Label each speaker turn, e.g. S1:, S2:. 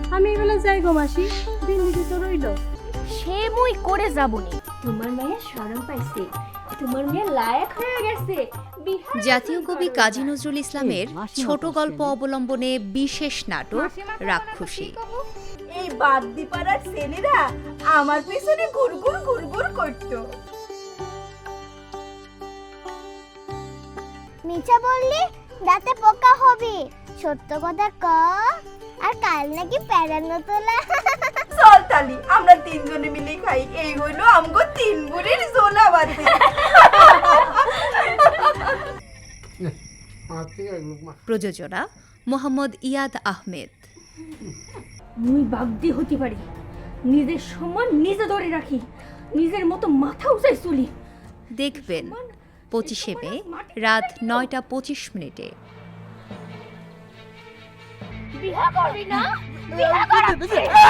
S1: আমি এবেলা যাই গো মাসি, দিল্লিতে তো রইল।
S2: সে মুই করে যাবনি, তোমার মেয়ে শরম পাইছে, তোমার মেয়ে লায়ক হয়ে গেছে।
S3: জাতীয় কবি কাজী নজরুল ইসলামের ছোট গল্প অবলম্বনে বিশেষ নাটক রাক্ষসী।
S4: এই বাগদিপাড়ার ছেলেরা আমার পেছনে ঘুরঘুর ঘুরঘুর করতো।
S5: মিছা বললি দাঁতে পোকা হবে, সত্য কথা ক। আর কাল নাকি প্যারানো তোলা।
S4: চল তালি আমরা তিনজনে মিলে খাই, এই হলো আমগো তিন বুড়ির জোলা বাতি।
S3: প্রযোজনা মোহাম্মদ ইয়াদ আহমেদ।
S2: মুই বাগদি হতে পারি, নিজের সম্মান নিজে ধরে রাখি, নিজের মতো মাথা উঁচাই চলি।
S3: দেখবেন 25শে মে রাত 9টা 25 মিনিটে।
S2: বিয়া করবি না? বিয়া করবি?